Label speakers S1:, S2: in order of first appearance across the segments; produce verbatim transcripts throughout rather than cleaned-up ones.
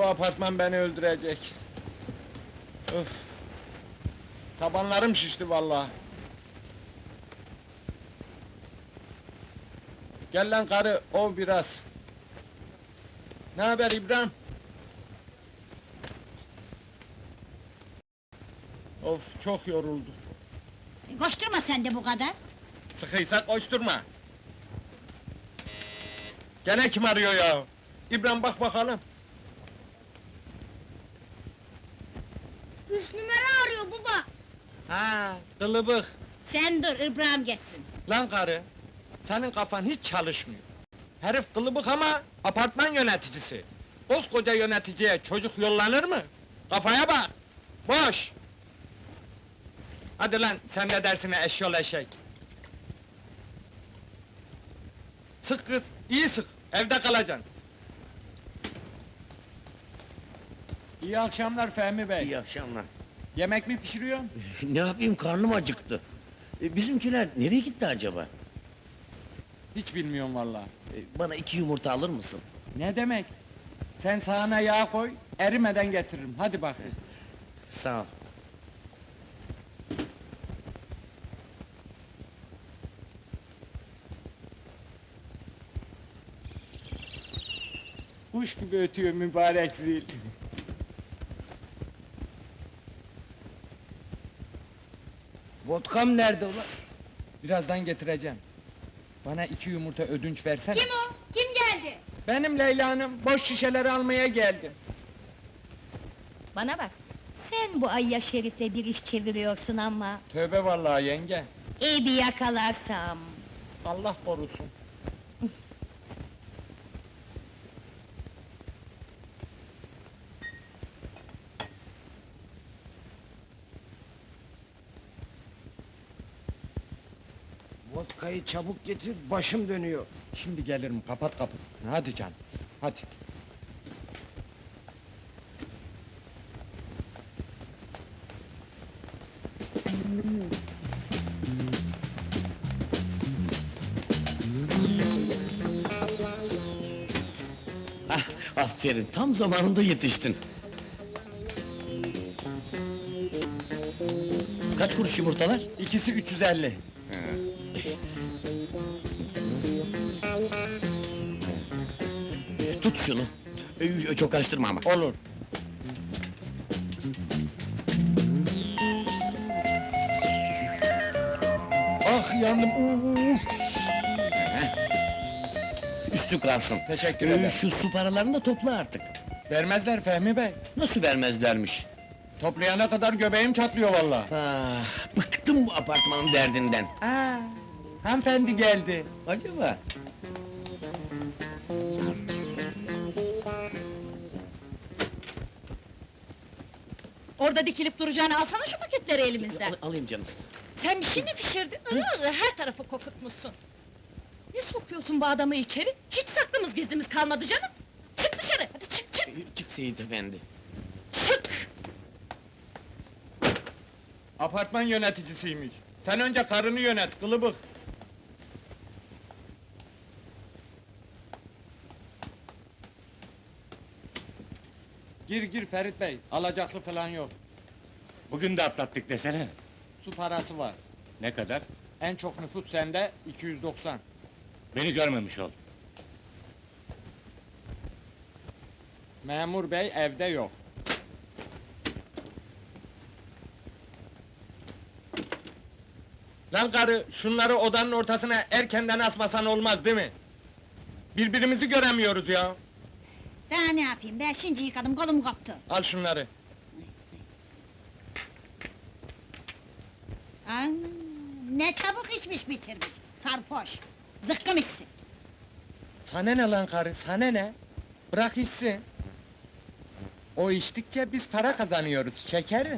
S1: bu apartman beni öldürecek. Öf! Tabanlarım şişti vallahi. Gel lan karı, ov biraz. Ne haber İbrahim? Of, çok yoruldu.
S2: Koşturma sen de bu kadar.
S1: Sıkıysa koşturma. Gene kim arıyor ya? İbrahim bak bakalım.
S2: Üç numara arıyor baba.
S1: Ha, kılıbık.
S2: Sen dur, İbrahim geçsin.
S1: Lan karı, senin kafan hiç çalışmıyor. Herif kılıbık ama apartman yöneticisi. Koskoca yöneticiye çocuk yollanır mı? Kafaya bak! Boş! Hadi lan, sen de dersine eşyol eşek! Sık kız, iyi sık, evde kalacaksın! İyi akşamlar Fehmi Bey!
S3: İyi akşamlar.
S1: Yemek mi pişiriyorsun?
S3: Ne yapayım, karnım acıktı. E, bizimkiler nereye gitti acaba?
S1: Hiç bilmiyorum vallahi.
S3: E, bana iki yumurta alır mısın?
S1: Ne demek? Sen sahana yağ koy, erimeden getiririm, hadi bakayım!
S3: Sağ ol.
S1: Kuş gibi ötüyor mübarek zil!
S3: Vodkam nerede ulan?
S1: Birazdan getireceğim. Bana iki yumurta ödünç versene.
S2: Kim o? Kim geldi?
S1: Benim Leyla Hanım, boş şişeleri almaya geldim.
S4: Bana bak, sen bu Ayya Şerif'le bir iş çeviriyorsun ama...
S1: Tövbe vallahi yenge,
S4: ...iyi bir yakalarsam...
S1: Allah korusun.
S5: Vodkayı çabuk getir, başım dönüyor.
S1: Şimdi gelirim, kapat kapıyı. Hadi canım, hadi.
S3: Ah, aferin, tam zamanında yetiştin. Kaç kuruş yumurtalar?
S1: İkisi üç yüz elli.
S3: E, tut şunu. E, çok karıştırma ama.
S1: Olur. Ah yandım, uuu!
S3: Üstü kalsın.
S1: Teşekkür
S3: E,
S1: ederim.
S3: şu su paralarını da topla artık.
S1: Vermezler Fehmi Bey.
S3: Nasıl vermezlermiş?
S1: Toplayana kadar göbeğim çatlıyor vallahi.
S3: Ah, bıktım bu apartmanın derdinden.
S1: Aa, hanımefendi geldi.
S3: Acaba?
S4: Orada dikilip duracağını alsana şu paketleri elimizden!
S3: Al, alayım canım.
S4: Sen bir şey mi pişirdin? Iı, her tarafı kokutmuşsun! Ne sokuyorsun bu adamı içeri? Hiç saklımız gizlimiz kalmadı canım! Çık dışarı, hadi çık çık!
S3: E, çık Seyit efendi.
S4: Çık!
S1: Apartman yöneticisiymiş. Sen önce karını yönet, kılıbık. Gir gir Ferit Bey, alacaklı falan yok.
S6: Bugün de atlattık desene.
S1: Su parası var.
S6: Ne kadar?
S1: En çok nüfus sende, iki yüz doksan.
S6: Beni görmemiş ol.
S1: Memur bey evde yok. Lan karı, şunları odanın ortasına erkenden asmasan olmaz değil mi? Birbirimizi göremiyoruz ya.
S2: Daha ne yapayım, ben şimdi yıkadım, kolum koptu.
S1: Al şunları.
S2: Aa, ne çabuk içmiş bitirmiş, sarhoş. Zıkkım içsin.
S1: Sana ne lan karı, sana ne? Bırak içsin. O içtikçe biz para kazanıyoruz, şekerim.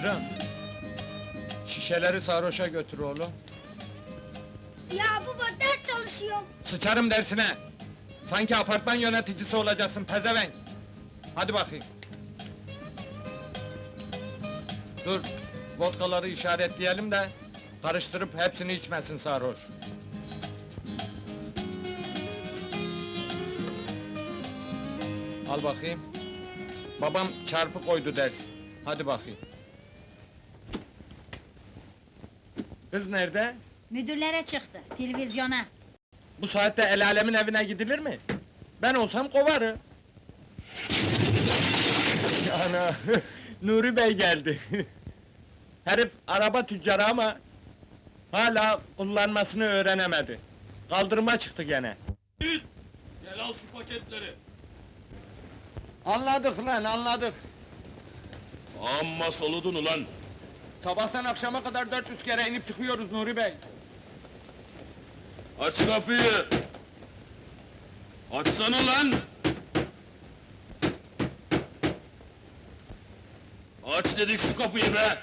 S1: Şükran. Şişeleri sarhoşa götür oğlum.
S2: Ya baba ders çalışıyorum.
S1: Sıçarım dersine! Sanki apartman yöneticisi olacaksın pezevenk! Hadi bakayım. Dur, vodkaları işaretleyelim de... ...karıştırıp hepsini içmesin sarhoş. Al bakayım. Babam çarpı koydu ders. Hadi bakayım. Kız nerede?
S2: Müdürlere çıktı, televizyona.
S1: Bu saatte el alemin evine gidilir mi? Ben olsam kovarım. Ana, Nuri Bey geldi. Herif araba tüccarı ama... ...hala kullanmasını öğrenemedi. Kaldırıma çıktı gene.
S3: Gel al şu paketleri.
S1: Anladık lan, anladık.
S3: Amma soludun ulan.
S1: Sabahtan akşama kadar dört yüz kere inip çıkıyoruz Nuri Bey.
S3: Aç kapıyı. Açsana lan. Aç dedik şu kapıyı be.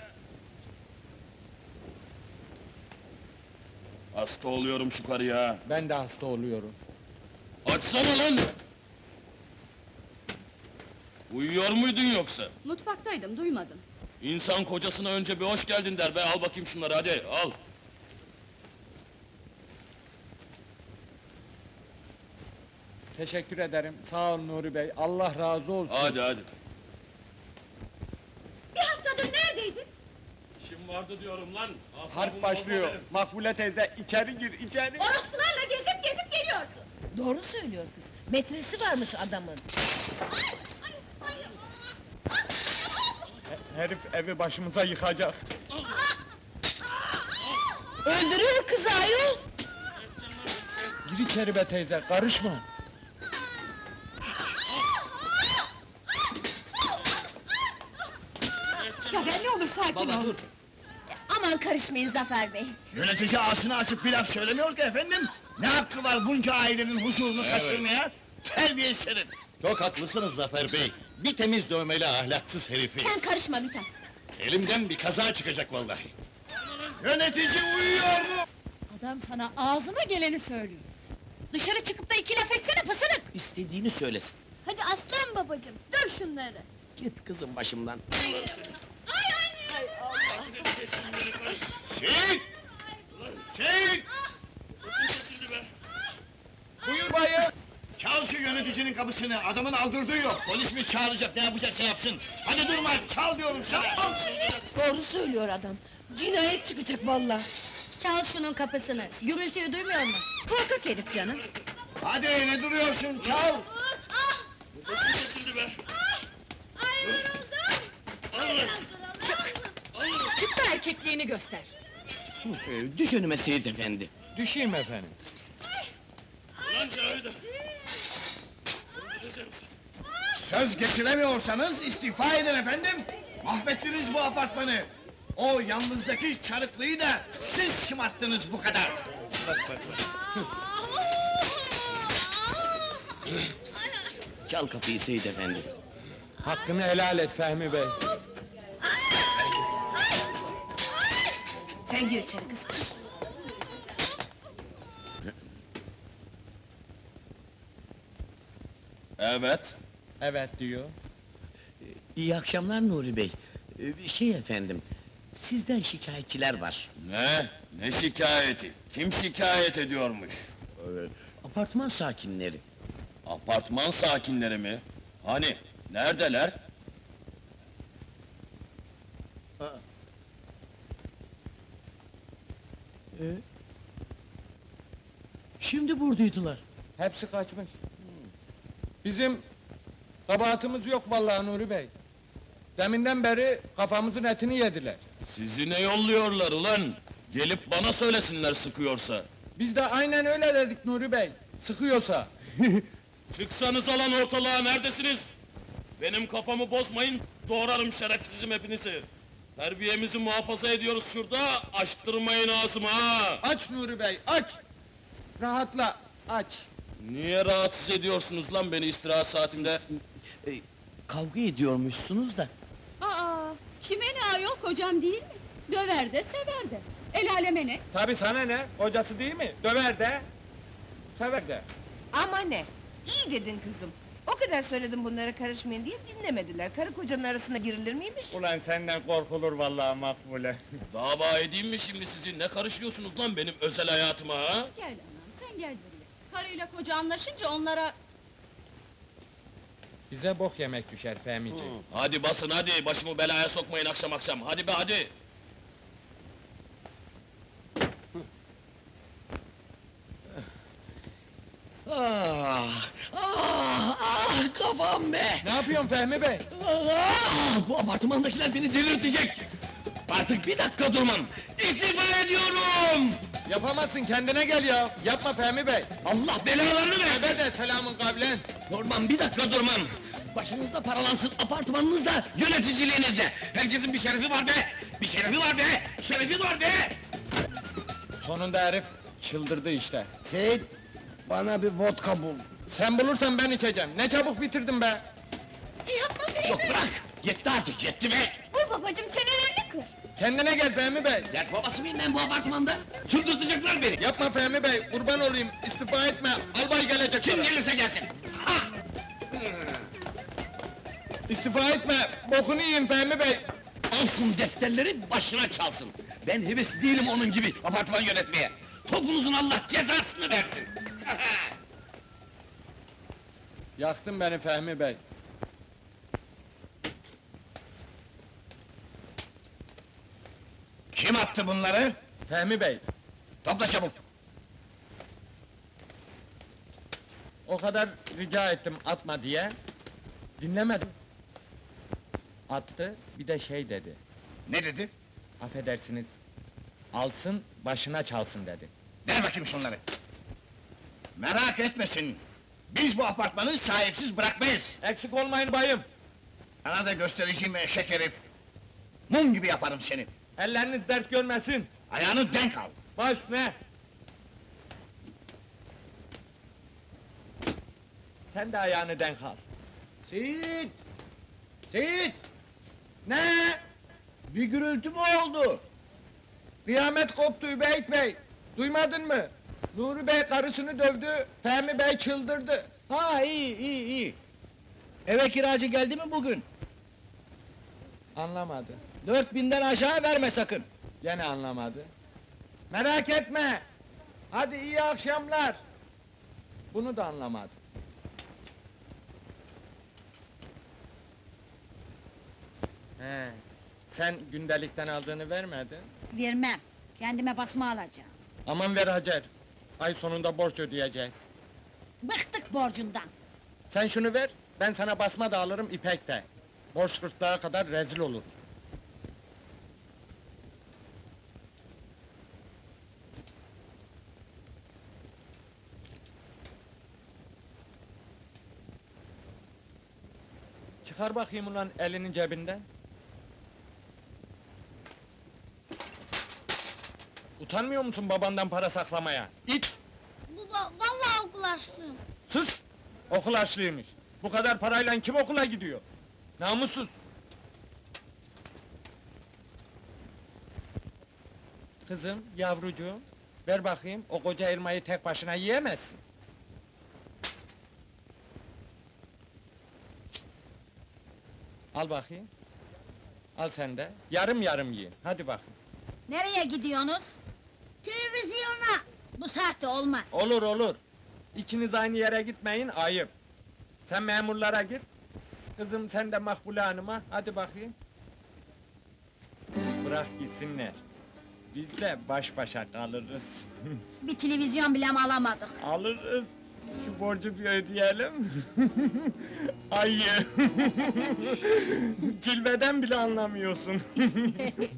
S3: Hasta oluyorum şu karıya.
S1: Ben de hasta oluyorum.
S3: Açsana lan. Uyuyor muydun yoksa?
S4: Mutfaktaydım, duymadım.
S3: İnsan kocasına önce bir hoş geldin der be, al bakayım şunları hadi, al!
S1: Teşekkür ederim, sağ ol Nuri Bey, Allah razı olsun.
S3: Hadi hadi!
S4: Bir haftadır neredeydin?
S3: İşim vardı diyorum lan! asabımı
S1: Harp
S3: bozma
S1: başlıyor,
S3: benim.
S1: Makbule teyze içeri gir, içeri!
S4: Orospularla gezip gezip geliyorsun!
S7: Doğru söylüyor kız. Metresi varmış adamın.
S1: He- Herif evi başımıza yıkacak.
S7: Öldürüyor kızı ayol.
S1: Gir içeri be teyze, karışma!
S7: Zafer ne olur sakin ol.
S3: dur!
S4: Aman karışmayın Zafer Bey!
S3: Yönetici ağzını açıp bir laf söylemiyor ki efendim! Ne hakkı var bunca ailenin huzurunu kaçırmaya? Terbiyesiz herif!
S8: Çok haklısınız Zafer Bey. Bir temiz dövmeli ahlaksız herifi.
S4: Sen karışma Mithat!
S8: Elimden bir kaza çıkacak vallahi.
S3: Yönetici uyuyor mu?
S4: Adam sana ağzına geleni söylüyor! Dışarı çıkıp da iki laf etsene pısırık!
S3: İstediğini söylesin.
S4: Hadi aslan babacığım, döv şunları!
S3: Git kızım başımdan.
S8: Çek! Çek!
S1: Buyur bayım!
S8: Çal şu yöneticinin kapısını, adamın aldırdığı yok. Polis mi çağıracak, ne yapacaksa yapsın. Hadi durma, çal diyorum sana!
S7: Doğru söylüyor adam. Cinayet çıkacak vallahi.
S4: Çal şunun kapısını, gürültüyü duymuyor mu?
S7: Korkak herif canım.
S8: Hadi ne duruyorsun, çal!
S4: Çık da erkekliğini göster!
S3: Ee, düş önüme Seyit efendi.
S1: Düşeyim efendim.
S8: Söz getiremiyorsanız istifa edin efendim! Mahvettiniz bu apartmanı! O yalnızdaki çarıklıyı da siz şımarttınız bu kadar! Bak bak bak!
S3: Çal kapıyı Seyit efendi.
S1: Hakkını helal et Fehmi Bey.
S7: Sen gir içeri kız. Kız.
S3: Evet.
S1: Evet diyor.
S3: İyi akşamlar Nuri Bey. Ee, şey efendim, sizden şikayetçiler var.
S9: Ne? Ne şikayeti? Kim şikayet ediyormuş?
S3: Ee, apartman sakinleri.
S9: Apartman sakinleri mi? Hani? Neredeler?
S3: Ee, şimdi buradaydılar.
S1: Hepsi kaçmış. Bizim kabahatimiz yok vallahi Nuri Bey. Deminden beri kafamızın etini yediler.
S9: Sizi ne yolluyorlar ulan? Gelip bana söylesinler sıkıyorsa.
S1: Biz de aynen öyle dedik Nuri Bey. Sıkıyorsa.
S9: Çıksanız alan ortalığa, neredesiniz? Benim kafamı bozmayın, doğrarım şerefsizim hepinizi. Terbiyemizi muhafaza ediyoruz şurada, açtırmayın ağzımı ha!
S1: Aç Nuri Bey, aç! Rahatla, aç!
S9: Niye rahatsız ediyorsunuz lan beni istirahat saatimde?
S3: Ee, kavga ediyormuşsunuz da.
S4: Aa, Kime ne ayol, kocam değil mi? Döver de sever de. El aleme ne?
S1: Tabii sana ne? Kocası değil mi? Döver de, sever de.
S7: Ama ne? İyi dedin kızım. O kadar söyledim bunlara karışmayın diye dinlemediler. Karı kocanın arasına girilir miymiş?
S1: Ulan senden korkulur vallahi Makbule.
S9: Dava edeyim mi şimdi sizi? Ne karışıyorsunuz lan benim özel hayatıma ha?
S4: Gel anam, sen gel buraya. Karıyla koca anlaşınca onlara...
S1: Bize bok yemek düşer Fehmici.
S9: Hadi basın hadi, başımı belaya sokmayın akşam akşam. Hadi be hadi.
S3: Ah, ah, ah, kafam be!
S1: Ne yapıyorsun Fehmi Bey?
S3: Ah, bu apartmandakiler beni delirtecek! Artık bir dakika durmam! İstifa ediyorum!
S1: Yapamazsın, kendine gel ya! Yapma Fehmi Bey!
S3: Allah belalarını versin!
S1: Ebe de selamın kavlen!
S3: Durmam, bir dakika durmam! Başınızda paralansın, apartmanınızda, yöneticiliğinizde! Herkesin bir şerefi var be! Bir şerefi var be! Şerefi var be!
S1: Sonunda herif çıldırdı işte.
S5: Seyit, bana bir vodka bul.
S1: Sen bulursan ben içeceğim. Ne çabuk bitirdin be!
S4: Yapma Fehmi!
S3: Yok bırak! Yetti artık, yetti be!
S4: Vur babacım, çenelerini kır!
S1: Kendine gel Fehmi Bey!
S3: Dert babası mıyım ben bu apartmanda? Çıldırtacaklar beni!
S1: Yapma Fehmi Bey, kurban olayım, istifa etme, albay gelecek
S3: Kim
S1: sana.
S3: gelirse gelsin! Ha!
S1: İstifa etme, bokunu yiyin Fehmi Bey!
S3: Alsın defterleri, başına çalsın! Ben heves değilim onun gibi apartman yönetmeye! Topunuzun Allah cezasını versin!
S1: Yaktın beni Fehmi Bey!
S8: Kim attı bunları?
S1: Fehmi Bey,
S8: Topla çabuk!
S1: o kadar rica ettim atma diye, dinlemedim. Attı, bir de şey dedi,
S8: Ne dedi?
S1: affedersiniz, alsın, başına çalsın dedi.
S8: Ver bakayım şunları! Merak etmesin! Biz bu apartmanı sahipsiz bırakmayız!
S1: Eksik olmayın bayım!
S8: Sana da göstereceğim eşek herif! Mum gibi yaparım seni!
S1: Elleriniz dert görmesin!
S8: Ayağını denk al!
S1: Baş ne? Sen de ayağını denk al.
S3: Seyit! Seyit!
S1: Ne?
S3: Bir gürültü mü oldu?
S1: Kıyamet koptu Übeyt Bey! Duymadın mı? Nuri Bey karısını dövdü, Fehmi Bey çıldırdı.
S3: Ha iyi iyi iyi! Eve kiracı geldi mi bugün?
S1: Anlamadı.
S3: Dört binden aşağı verme sakın!
S1: Gene anlamadı. Merak etme! Hadi iyi akşamlar! Bunu da anlamadı. He, sen gündelikten aldığını vermedin.
S2: Vermem. Kendime basma alacağım.
S1: Aman ver Hacer! Ay sonunda borç ödeyeceğiz.
S2: Bıktık borcundan.
S1: Sen şunu ver, ben sana basma da alırım ipek de. Borç gırtlağa kadar rezil oluruz. Çıkar bakayım ulan elinin cebinden. Utanmıyor musun babandan para saklamaya? İt!
S2: Baba, vallahi okul açlıyım.
S1: Sus! Okul harçlıymış. Bu kadar parayla kim okula gidiyor? Namussuz! Kızım, yavrucuğum, ver bakayım, o koca elmayı tek başına yiyemezsin. Al bakayım. Al sen de, yarım yarım yiyin, hadi bakayım.
S2: Nereye gidiyorsunuz? Televizyona. Bu saatte olmaz.
S1: Olur olur. İkiniz aynı yere gitmeyin, ayıp. Sen memurlara git. Kızım sen de Makbule Hanım'a, hadi bakayım. Bırak gitsinler. Biz de baş başa kalırız.
S2: Bir televizyon bile mi alamadık?
S1: Alırız. Şu borcu bir ödeyelim. Ayı. Cilveden bile anlamıyorsun.